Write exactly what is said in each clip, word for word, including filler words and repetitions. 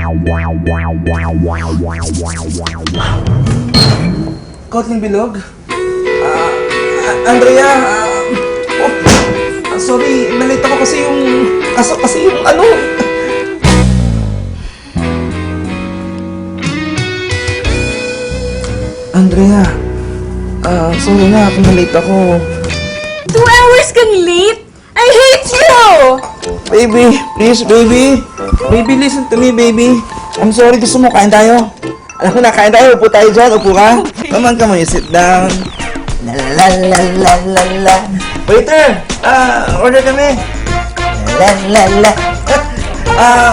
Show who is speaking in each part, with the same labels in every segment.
Speaker 1: Kotling Bilog? Ah, ah, Andrea, ah, oh, ah, sorry, nalate ako kasi yung, kaso kasi yung ano. Andrea, ah, sorry na kung nalate ako.
Speaker 2: Two hours kang late? I hate you!
Speaker 1: Baby, please, baby. Baby, listen to me, baby. I'm sorry, gusto mo, kain tayo. Alam ko na, kain tayo. Upo tayo dyan, upo ka. Come on, come on, you sit down. La la la la la la. Waiter, ah, order kami. La la la. Ah,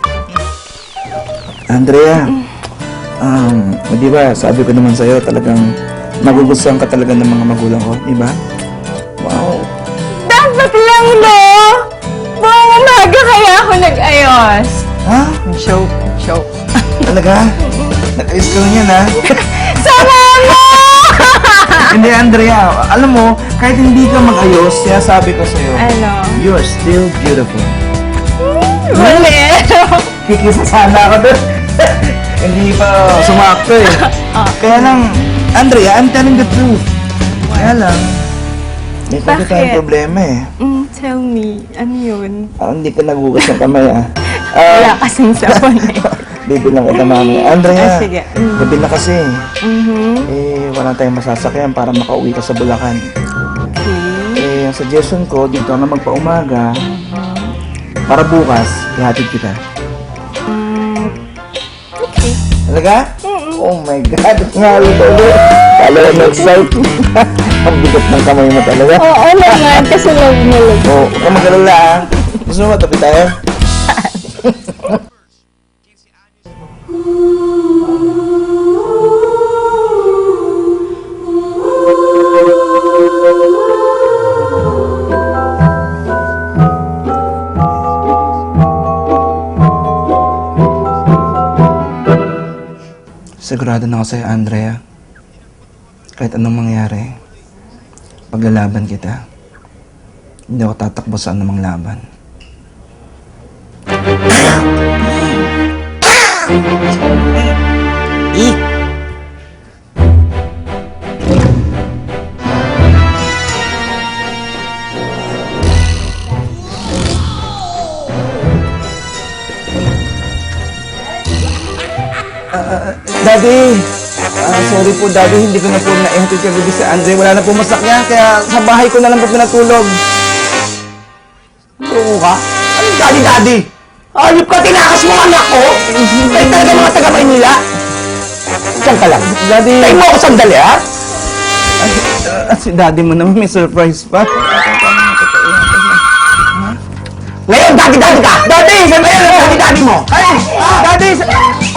Speaker 1: Andrea, um, di ba, sabi ko naman sa'yo, talagang magugustuhan ka talaga ng mga magulang ko, di ba? Wow.
Speaker 2: Dapat lang, no? Buong umaga kaya ako nag-ayos.
Speaker 1: Ha?
Speaker 2: Joke, joke.
Speaker 1: Talaga? Nag-ayos ka lang yan, ha?
Speaker 2: Sama mo!
Speaker 1: Hindi, Andrea. Alam mo, kahit hindi ka mag-ayos, kaya sabi ko sa'yo,
Speaker 2: Ano?
Speaker 1: you're still beautiful.
Speaker 2: Mali.
Speaker 1: Kikisa sana ako doon. Hindi pa sumakto eh. Kaya lang, Andrea, I'm telling the truth. Kaya lang, may pwede
Speaker 2: Bakit?
Speaker 1: tayong problema eh.
Speaker 2: Mm, tell me, ano yun?
Speaker 1: Ah, hindi ka nagugas ng kamay ah.
Speaker 2: Wala
Speaker 1: Ah,
Speaker 2: kasing sabon eh.
Speaker 1: bibilang kita mami. Andrea,
Speaker 2: Ah, sige. Mm.
Speaker 1: gabi na kasi.
Speaker 2: Mhm.
Speaker 1: Eh, wala tayong masasakyan para makauwi ka sa Bulacan.
Speaker 2: Okay.
Speaker 1: Eh, ang suggestion ko, dito na magpaumaga. Para bukas, ihatid kita.
Speaker 2: Mm, okay.
Speaker 1: Talaga? Oh my God, nga ito ulit. Talaga na-excite. Ang bigat ng kamay mo talaga.
Speaker 2: Oo naman, kasi love na love.
Speaker 1: Oo, huwag ka mag-alala ah. Gusto mo matabi tayo? Sigurado na ako sa'yo, Andrea. Kahit anong mangyari, paglalaban kita, hindi ako tatakbo sa anumang laban. Eh! Daddy! Ah, sorry po, Daddy. Hindi ko na po na-ihatid ka gabi sa Andre. Wala na po masakyan, kaya sa bahay ko na lang po pinatulog. Oo ka? Ano Daddy, Daddy? Ayop ka, tinakas mo ang anak ko! Kayo talaga mga taga-Maynila! Diyan ka lang. Daddy... Tayo mo ako sandali, ha? Ay, uh, si Daddy mo naman may surprise pa. Ngayon, Daddy, Daddy ka! Daddy! Saan ba yan? Daddy, Daddy mo! Ay! Daddy! Sa...